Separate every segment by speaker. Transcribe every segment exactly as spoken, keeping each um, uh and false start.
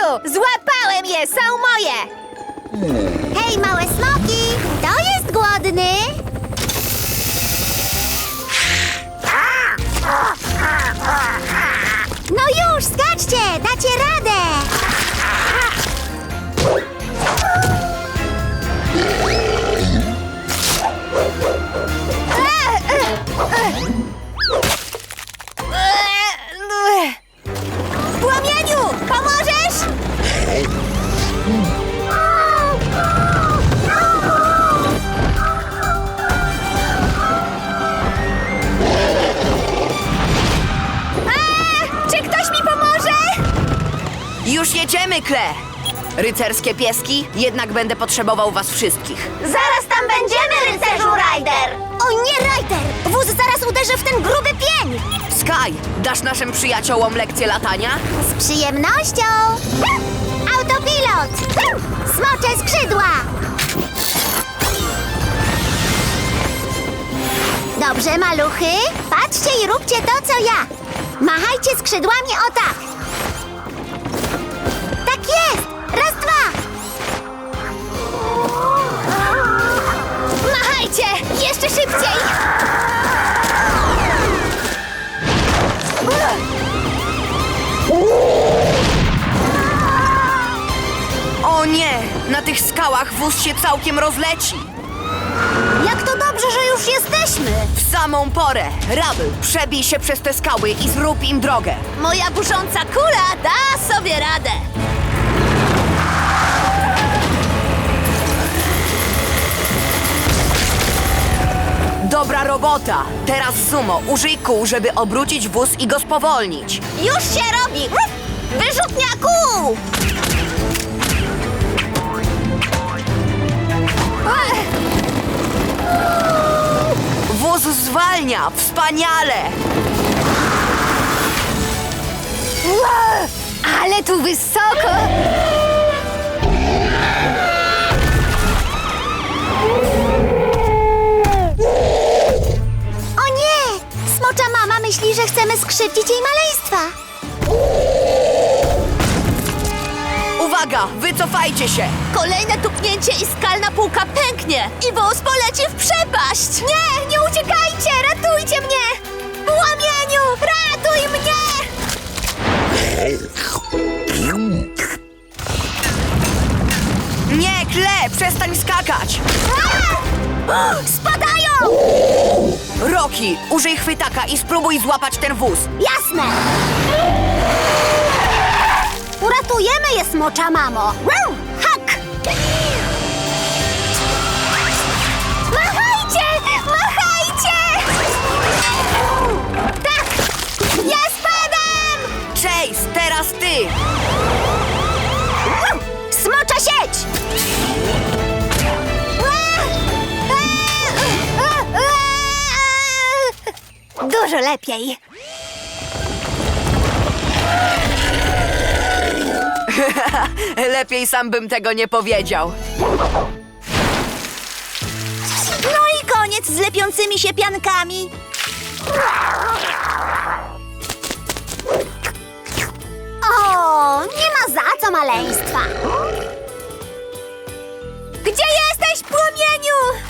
Speaker 1: Złapałem je! Są moje!
Speaker 2: Hej, małe smoki! Kto jest głodny? No już, skaczcie! Dacie radę!
Speaker 1: Płomieniu, pomożesz? A, czy ktoś mi pomoże?
Speaker 3: Już jedziemy, Claire! Rycerskie pieski, jednak będę potrzebował was wszystkich.
Speaker 2: Zaraz tam będziemy, rycerzu Ryder! O nie, Ryder! Wóz zaraz uderzy w ten gruby pień!
Speaker 3: Sky, dasz naszym przyjaciołom lekcję latania?
Speaker 2: Z przyjemnością! Autopilot! Smocze skrzydła! Dobrze, maluchy. Patrzcie i róbcie to, co ja. Machajcie skrzydłami o tak. Tak jest! Raz, dwa!
Speaker 1: Machajcie! Jeszcze szybciej!
Speaker 3: O nie! Na tych skałach wóz się całkiem rozleci!
Speaker 2: Jak to dobrze, że już jesteśmy!
Speaker 3: W samą porę! Rubble, przebij się przez te skały i zrób im drogę!
Speaker 1: Moja busząca kula da sobie radę!
Speaker 3: Dobra robota! Teraz Sumo, użyj kół, żeby obrócić wóz i go spowolnić.
Speaker 1: Już się robi! Wyrzutniaku!
Speaker 3: Wóz zwalnia! Wspaniale!
Speaker 1: Ale tu wysoko!
Speaker 2: O nie! Smocza mama myśli, że chcemy skrzywdzić jej maleństwa.
Speaker 3: Uwaga! Wycofajcie się!
Speaker 1: Kolejne tupnięcie i skalna półka pęknie! I wóz poleci w przepaść! Nie! Nie uciekajcie! Ratujcie mnie! Płomieniu! Ratuj mnie!
Speaker 3: Nie, Kle! Przestań skakać!
Speaker 1: A! Spadają!
Speaker 3: Rocky, użyj chwytaka i spróbuj złapać ten wóz.
Speaker 2: Jasne! Uratujemy je, smocza mamo! Wow! Hak!
Speaker 1: Machajcie! Machajcie! Tak! Ja spadam!
Speaker 3: Chase, teraz ty!
Speaker 2: Smocza sieć!
Speaker 1: Dużo lepiej.
Speaker 3: Lepiej sam bym tego nie powiedział.
Speaker 1: No i koniec z lepiącymi się piankami.
Speaker 2: O, nie ma za co maleństwa.
Speaker 1: Gdzie jesteś, płomieniu?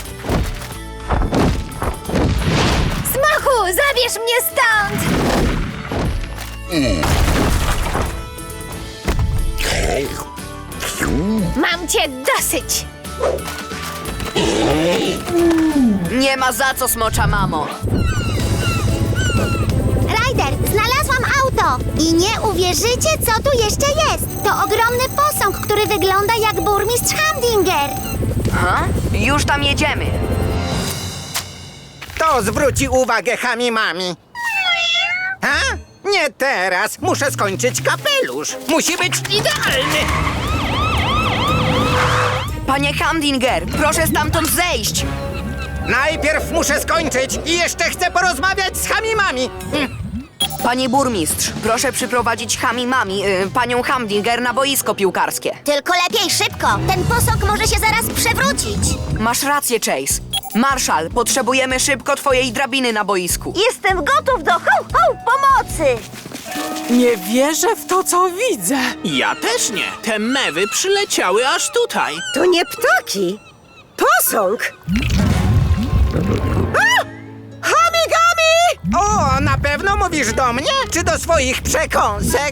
Speaker 1: Smoku, zabierz mnie stąd! Mam cię dosyć!
Speaker 3: Nie ma za co, smocza mamo.
Speaker 2: Ryder, znalazłam auto! I nie uwierzycie, co tu jeszcze jest. To ogromny posąg, który wygląda jak burmistrz Hamdinger.
Speaker 3: Ha? Już tam jedziemy.
Speaker 4: To zwróci uwagę Hamimami. Ha? Nie teraz. Muszę skończyć kapelusz. Musi być idealny.
Speaker 3: Panie Hamdinger, proszę stamtąd zejść.
Speaker 4: Najpierw muszę skończyć i jeszcze chcę porozmawiać z Hamimami. Hm.
Speaker 3: Panie burmistrz, proszę przyprowadzić Hamimami, y, panią Hamdinger na boisko piłkarskie.
Speaker 2: Tylko lepiej szybko. Ten posąg może się zaraz przewrócić.
Speaker 3: Masz rację, Chase. Marszal, potrzebujemy szybko twojej drabiny na boisku.
Speaker 1: Jestem gotów do ho, ho, pomocy!
Speaker 5: Nie wierzę w to, co widzę.
Speaker 6: Ja też nie. Te mewy przyleciały aż tutaj.
Speaker 7: To nie ptaki. Posąg. A! Hamigami!
Speaker 4: O, na pewno mówisz do mnie, czy do swoich przekąsek?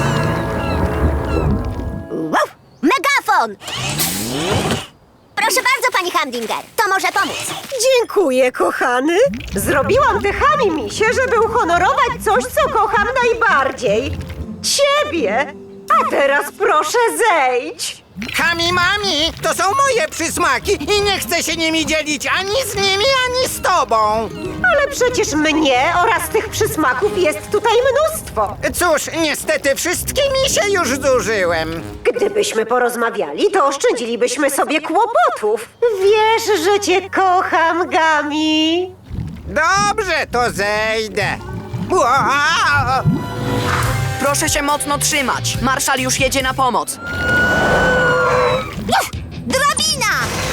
Speaker 2: Wow! Megafon! Proszę bardzo, pani Hamdinger. To może pomóc.
Speaker 7: Dziękuję, kochany. Zrobiłam te hamimisie, żeby uhonorować coś, co kocham najbardziej. Ciebie. A teraz proszę zejdź.
Speaker 4: Hami mami, to są moje przysmaki i nie chcę się nimi dzielić ani z nimi, ani z tobą.
Speaker 7: Ale przecież mnie oraz tych przysmaków jest tutaj mnóstwo.
Speaker 4: Cóż, niestety wszystkimi się już zużyłem.
Speaker 7: Gdybyśmy porozmawiali, to oszczędzilibyśmy sobie kłopotów. Wiesz, że cię kocham, Gami.
Speaker 4: Dobrze, to zejdę. Ua!
Speaker 3: Proszę się mocno trzymać. Marszal już jedzie na pomoc.
Speaker 1: Uf, drabina!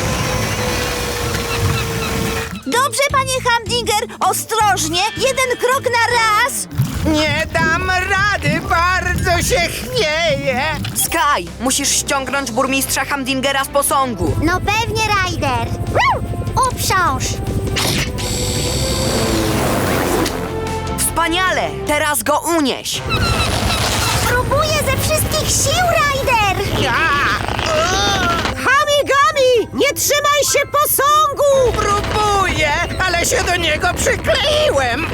Speaker 1: Dobrze, panie Hamdinger, ostrożnie, jeden krok na raz.
Speaker 4: Nie dam rady, bardzo się chwieję.
Speaker 3: Sky, musisz ściągnąć burmistrza Hamdingera z posągu.
Speaker 2: No pewnie, Ryder. Uprząż.
Speaker 3: Wspaniale! Teraz go unieś.
Speaker 2: Próbuję ze wszystkich sił, Ryder.
Speaker 7: Hamigami, nie trzymaj się posągu!
Speaker 4: Próbuję, ale się do niego przykleiłem.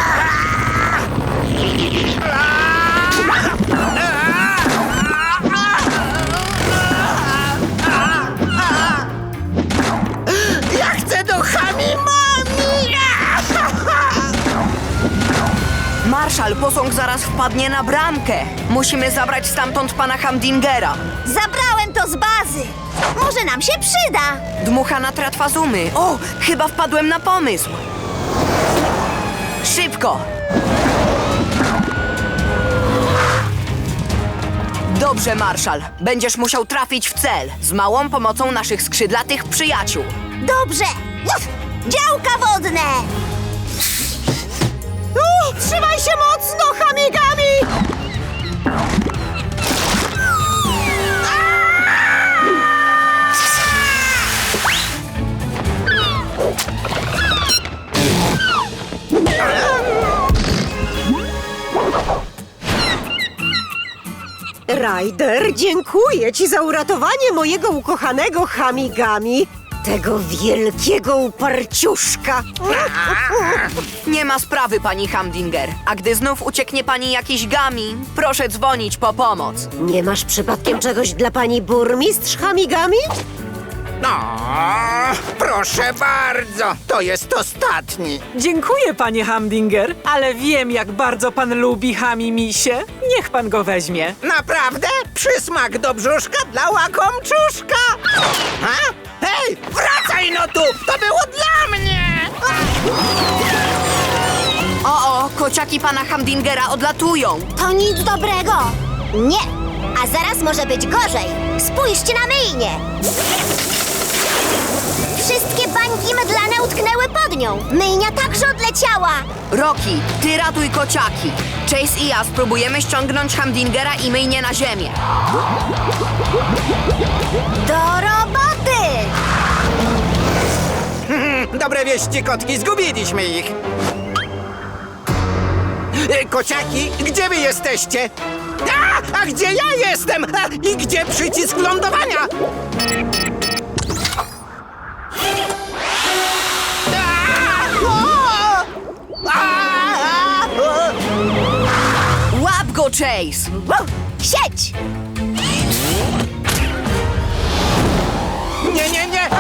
Speaker 4: Ja chcę do Hami mami.
Speaker 3: Marszal, posąg zaraz wpadnie na bramkę. Musimy zabrać stamtąd pana Hamdingera.
Speaker 1: Zabrałem to z bazy. Może nam się przyda.
Speaker 3: Dmucha na tratwazumy. O, chyba wpadłem na pomysł. Szybko! Dobrze, Marszal. Będziesz musiał trafić w cel z małą pomocą naszych skrzydlatych przyjaciół.
Speaker 1: Dobrze. Uf, działka wodne.
Speaker 7: U, trzymaj się mocno, Hamigami! Ryder, dziękuję ci za uratowanie mojego ukochanego Hamigami, tego wielkiego uparciuszka.
Speaker 3: Nie ma sprawy, pani Hamdinger. A gdy znów ucieknie pani jakiś gami, proszę dzwonić po pomoc.
Speaker 7: Nie masz przypadkiem czegoś dla pani burmistrz Hamigami?
Speaker 4: No, proszę bardzo, to jest ostatni.
Speaker 5: Dziękuję, panie Hamdinger, ale wiem, jak bardzo pan lubi hamimisie. Niech pan go weźmie.
Speaker 4: Naprawdę? Przysmak do brzuszka dla łakomczuszka? Ha? Hej, wracaj no tu! To było dla mnie!
Speaker 3: O, o, kociaki pana Hamdingera odlatują.
Speaker 2: To nic dobrego. Nie. A zaraz może być gorzej. Spójrzcie na myjnię. Wszystkie bańki mydlane utknęły pod nią. Myjnia także odleciała.
Speaker 3: Rocky, ty ratuj kociaki. Chase i ja spróbujemy ściągnąć Hamdingera i myjnie na ziemię.
Speaker 2: Do roboty!
Speaker 4: Dobre wieści, kotki, zgubiliśmy ich. E, Kociaki, gdzie wy jesteście? A, a gdzie ja jestem? A, I gdzie przycisk lądowania? A, o! A, a, o!
Speaker 3: Łap go, Chase!
Speaker 2: Wow, sieć!
Speaker 4: Nie, nie, nie!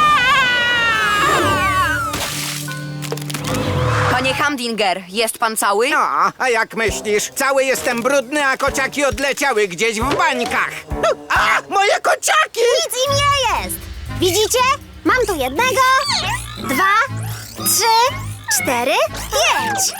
Speaker 3: Panie Hamdinger, jest pan cały?
Speaker 4: No, a jak myślisz? Cały jestem brudny, a kociaki odleciały gdzieś w bańkach. A, moje kociaki!
Speaker 2: Nic im nie jest! Widzicie? Mam tu jednego, dwa, trzy, cztery, pięć.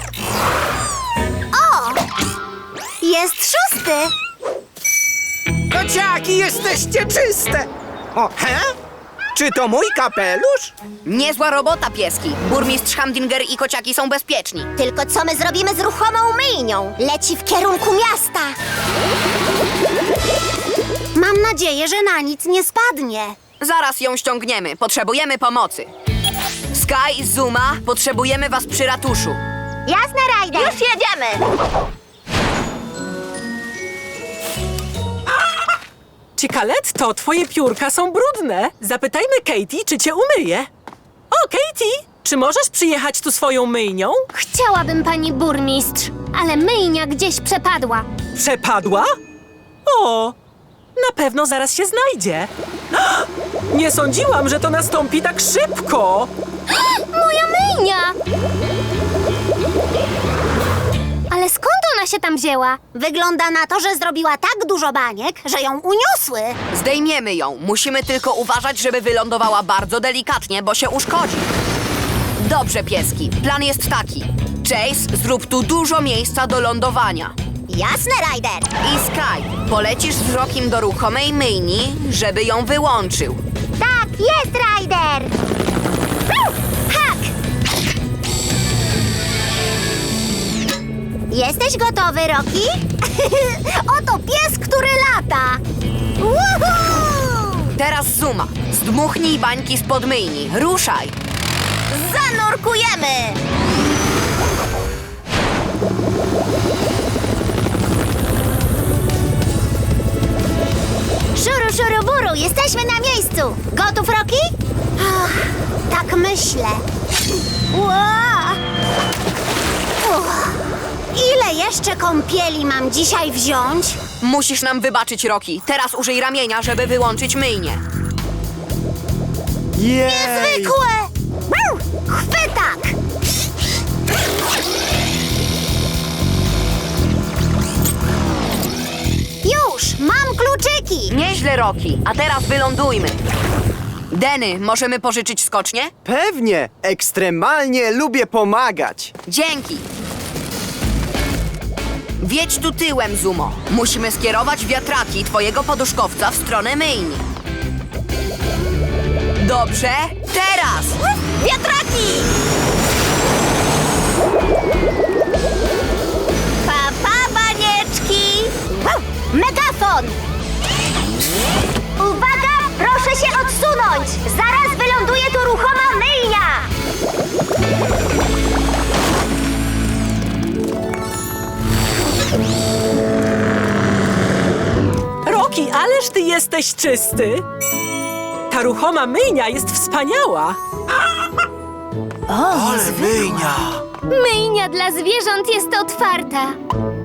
Speaker 2: O! Jest szósty!
Speaker 4: Kociaki, jesteście czyste! O, he? Czy to mój kapelusz?
Speaker 3: Niezła robota, pieski. Burmistrz Hamdinger i kociaki są bezpieczni.
Speaker 2: Tylko co my zrobimy z ruchomą myjnią? Leci w kierunku miasta. Mam nadzieję, że na nic nie spadnie.
Speaker 3: Zaraz ją ściągniemy. Potrzebujemy pomocy. Sky, Zuma, potrzebujemy was przy ratuszu.
Speaker 2: Jasne, Ryder.
Speaker 1: Już jedziemy!
Speaker 5: Cikaletto, twoje piórka są brudne. Zapytajmy Katie, czy cię umyje. O, Katie, czy możesz przyjechać tu swoją myjnią?
Speaker 8: Chciałabym, pani burmistrz, ale myjnia gdzieś przepadła.
Speaker 5: Przepadła? O, na pewno zaraz się znajdzie. Nie sądziłam, że to nastąpi tak szybko.
Speaker 8: Moja myjnia! Ale skąd ona się tam wzięła?
Speaker 2: Wygląda na to, że zrobiła tak dużo baniek, że ją uniosły.
Speaker 3: Zdejmiemy ją. Musimy tylko uważać, żeby wylądowała bardzo delikatnie, bo się uszkodzi. Dobrze, pieski. Plan jest taki. Chase, zrób tu dużo miejsca do lądowania.
Speaker 2: Jasne, Ryder.
Speaker 3: I Sky, polecisz z Rockiem do ruchomej myjni, żeby ją wyłączył.
Speaker 2: Tak, jest, Ryder. Hak! Jesteś gotowy, Rocky? Oto pies, który lata. Woohoo!
Speaker 3: Teraz Zuma. Zdmuchnij bańki spod myjni. Ruszaj.
Speaker 2: Zanurkujemy! Szuru, szuru, buru, jesteśmy na miejscu. Gotów, Rocky? Ach, tak myślę. Ła! Uch. Ile jeszcze kąpieli mam dzisiaj wziąć?
Speaker 3: Musisz nam wybaczyć, Rocky. Teraz użyj ramienia, żeby wyłączyć myjnię.
Speaker 2: Niezwykłe! Brr, chwytak! Już, mam kluczyki!
Speaker 3: Nieźle, Rocky. A teraz wylądujmy. Denny, możemy pożyczyć skocznie?
Speaker 9: Pewnie! Ekstremalnie lubię pomagać.
Speaker 3: Dzięki. Wiedź tu tyłem, Zumo. Musimy skierować wiatraki twojego poduszkowca w stronę myjni. Dobrze, teraz!
Speaker 2: Wiatraki! Pa, pa, banieczki! Megafon! Uwaga! Proszę się odsunąć! Zaraz wyląduje tu ruchoma myjnia!
Speaker 5: Rocky, ależ ty jesteś czysty. Ta ruchoma myjnia jest wspaniała.
Speaker 6: Ale myjnia!
Speaker 8: Myjnia dla zwierząt jest otwarta.